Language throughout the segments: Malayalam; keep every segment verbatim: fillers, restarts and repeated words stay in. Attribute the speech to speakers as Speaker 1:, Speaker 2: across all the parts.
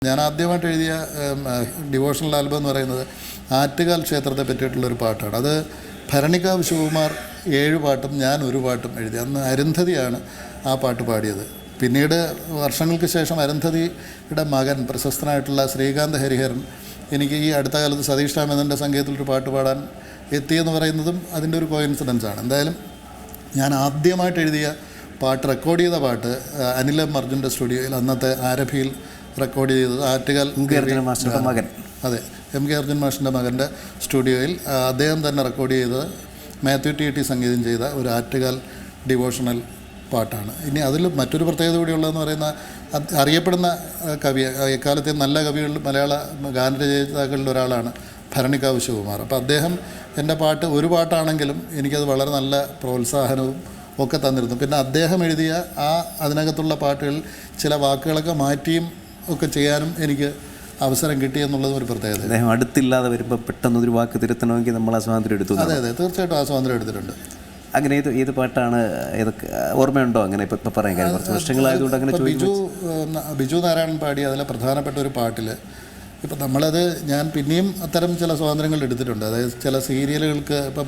Speaker 1: ഞാൻ ആദ്യമായിട്ട് എഴുതിയ ഡിവോഷണൽ ആൽബം എന്ന് പറയുന്നത് ആറ്റുകാൽ ക്ഷേത്രത്തെ പറ്റിയിട്ടുള്ളൊരു പാട്ടാണ്. അത് ഭരണികാവ് ശിവകുമാർ ഏഴ് പാട്ടും ഞാൻ ഒരു പാട്ടും എഴുതി. അന്ന് അരുന്ധതിയാണ് ആ പാട്ട് പാടിയത്. പിന്നീട് വർഷങ്ങൾക്ക് ശേഷം അരുന്ധതിയുടെ മകൻ പ്രശസ്തനായിട്ടുള്ള ശ്രീകാന്ത് ഹരിഹരൻ എനിക്ക് ഈ അടുത്ത കാലത്ത് സതീഷ് രാമേന്ദ്രൻ്റെ സംഗീതത്തിലൊരു പാട്ട് പാടാൻ എത്തിയെന്ന് പറയുന്നതും അതിൻ്റെ ഒരു കോയിൻസിഡൻസാണ്. എന്തായാലും ഞാൻ ആദ്യമായിട്ട് എഴുതിയ പാട്ട്, റെക്കോർഡ് ചെയ്ത പാട്ട് അനിൽ എം അർജുൻ്റെ സ്റ്റുഡിയോയിൽ അന്നത്തെ ആരഭിയിൽ റെക്കോർഡ് ചെയ്തത് ആറ്റുകാൽ
Speaker 2: മാസ്റ്ററുടെ മകൻ
Speaker 1: അതെ എം കെ അർജുൻ മാഷിൻ്റെ മകൻ്റെ സ്റ്റുഡിയോയിൽ അദ്ദേഹം തന്നെ റെക്കോർഡ് ചെയ്തത് മാത്യു ടി ടി സംഗീതം ചെയ്ത ഒരു ആറ്റുകാൽ ഡിവോഷണൽ പാട്ടാണ്. ഇനി അതിൽ മറ്റൊരു പ്രത്യേകത കൂടിയുള്ളതെന്ന് പറയുന്ന അറിയപ്പെടുന്ന കവി, എക്കാലത്തെ നല്ല കവികളിൽ മലയാള ഗാനരചയിതാക്കളിൽ ഒരാളാണ് ഭരണികാവ് ശിവകുമാർ. അപ്പോൾ അദ്ദേഹം എൻ്റെ പാട്ട് ഒരു പാട്ടാണെങ്കിലും എനിക്കത് വളരെ നല്ല പ്രോത്സാഹനവും ഒക്കെ തന്നിരുന്നു. പിന്നെ അദ്ദേഹം എഴുതിയ ആ അതിനകത്തുള്ള പാട്ടുകളിൽ ചില വാക്കുകളൊക്കെ മാറ്റിയും ഒക്കെ ചെയ്യാനും എനിക്ക് അവസരം കിട്ടി എന്നുള്ളതും ഒരു പ്രത്യേകത.
Speaker 2: അദ്ദേഹം അടുത്തില്ലാതെ വരുമ്പോൾ പെട്ടെന്നൊരു വാക്ക് തിരുത്തണമെങ്കിൽ നമ്മൾ ആ സ്വാതന്ത്ര്യം എടുത്തു.
Speaker 1: അതെ അതെ തീർച്ചയായിട്ടും ആ സ്വാതന്ത്ര്യം എടുത്തിട്ടുണ്ട്.
Speaker 2: അങ്ങനെ ഏത് ഏത് പാട്ടാണ്, ഏതൊക്കെ ഓർമ്മയുണ്ടോ? അങ്ങനെ ഇപ്പം ഇപ്പം പറയാൻ കാര്യം കുറച്ച് വർഷങ്ങളായതുകൊണ്ട് അങ്ങനെ
Speaker 1: ബിജു ബിജു നാരായണൻ പാടി അതിലെ പ്രധാനപ്പെട്ട ഒരു പാട്ടിൽ ഇപ്പം നമ്മളത് ഞാൻ പിന്നെയും അത്തരം ചില സ്വാതന്ത്ര്യങ്ങൾ എടുത്തിട്ടുണ്ട്. അതായത് ചില സീരിയലുകൾക്ക് ഇപ്പം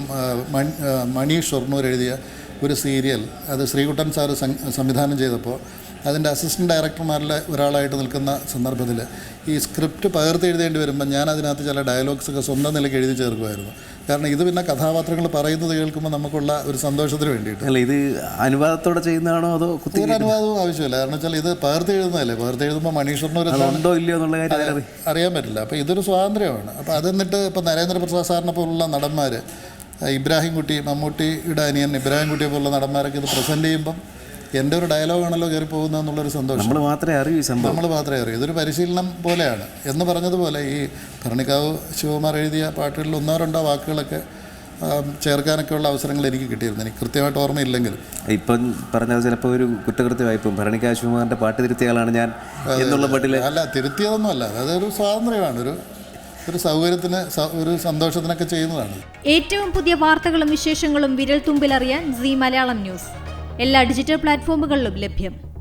Speaker 1: മണി ഷൊർണൂർ എഴുതിയ ഒരു സീരിയൽ, അത് ശ്രീകുട്ടൻ സാറ് സംവിധാനം ചെയ്തപ്പോൾ അതിൻ്റെ അസിസ്റ്റൻറ്റ് ഡയറക്ടർമാരിലെ ഒരാളായിട്ട് നിൽക്കുന്ന സന്ദർഭത്തിൽ ഈ സ്ക്രിപ്റ്റ് പകർത്തി എഴുതേണ്ടി വരുമ്പോൾ ഞാൻ അതിനകത്ത് ചില ഡയലോഗ്സൊക്കെ സ്വന്തം നിലയ്ക്ക് എഴുതി ചേർക്കുമായിരുന്നു. കാരണം ഇത് പിന്നെ കഥാപാത്രങ്ങൾ പറയുന്നത് കേൾക്കുമ്പോൾ നമുക്കുള്ള ഒരു സന്തോഷത്തിന് വേണ്ടിയിട്ട്.
Speaker 2: അല്ല, ഇത് അനുവാദത്തോടെ ചെയ്യുന്നതാണോ അതോ
Speaker 1: ഒരു അനുവാദവും ആവശ്യമില്ല. കാരണം വെച്ചാൽ ഇത് പകർത്തി എഴുതുന്നതല്ലേ, പകർത്തി എഴുതുമ്പോൾ മണീഷറിനൊരു
Speaker 2: ഉണ്ടോ ഇല്ലയോ എന്നുള്ള കാര്യം
Speaker 1: അറിയാൻ പറ്റില്ല. അപ്പോൾ ഇതൊരു സ്വാതന്ത്ര്യമാണ്. അപ്പോൾ അതെന്നിട്ട് ഇപ്പോൾ നരേന്ദ്രപ്രസാദ് സാറിനെ പോലുള്ള നടന്മാർ, ഇബ്രാഹിം കുട്ടി, മമ്മൂട്ടിയുടെ അനിയൻ ഇബ്രാഹിം കുട്ടിയെ പോലുള്ള നടന്മാരൊക്കെ ഇത് പ്രസൻറ്റ് ചെയ്യുമ്പം എൻ്റെ ഒരു ഡയലോഗാണല്ലോ കയറി പോകുന്നത് എന്നുള്ളൊരു സന്തോഷം.
Speaker 2: നമ്മൾ മാത്രമേ അറിയൂ സംഭവം
Speaker 1: നമ്മൾ മാത്രമേ അറിയൂ. ഇതൊരു പരിശീലനം പോലെയാണ് എന്ന് പറഞ്ഞതുപോലെ ഈ ഭരണികാവ് ശിവകുമാർ എഴുതിയ പാട്ടുകളിൽ ഒന്നോ രണ്ടോ വാക്കുകളൊക്കെ ചേർക്കാനൊക്കെ ഉള്ള അവസരങ്ങൾ എനിക്ക് കിട്ടിയിരുന്നു. എനിക്ക് കൃത്യമായിട്ട് ഓർമ്മയില്ലെങ്കിലും
Speaker 2: ഇപ്പം പറഞ്ഞത് ചിലപ്പോൾ ഒരു കുറ്റകൃത്യമായിപ്പം ഭരണികാവ് ശിവകുമാറിൻ്റെ പാട്ട് തിരുത്തിയാളാണ് ഞാൻ എന്നുള്ള പാട്ടിൽ.
Speaker 1: അല്ല, തിരുത്തിയതൊന്നുമല്ല, അതൊരു സ്വാതന്ത്ര്യമാണ്, ഒരു ഒരു സൗകര്യത്തിന് ഒരു സന്തോഷത്തിനൊക്കെ ചെയ്യുന്നതാണ്.
Speaker 3: ഏറ്റവും പുതിയ വാർത്തകളും വിശേഷങ്ങളും വിരൽ തുമ്പിലറിയാൻ സീ മലയാളം ന്യൂസ് എല്ലാ ഡിജിറ്റൽ പ്ലാറ്റ്ഫോമുകളിലും ലഭ്യം.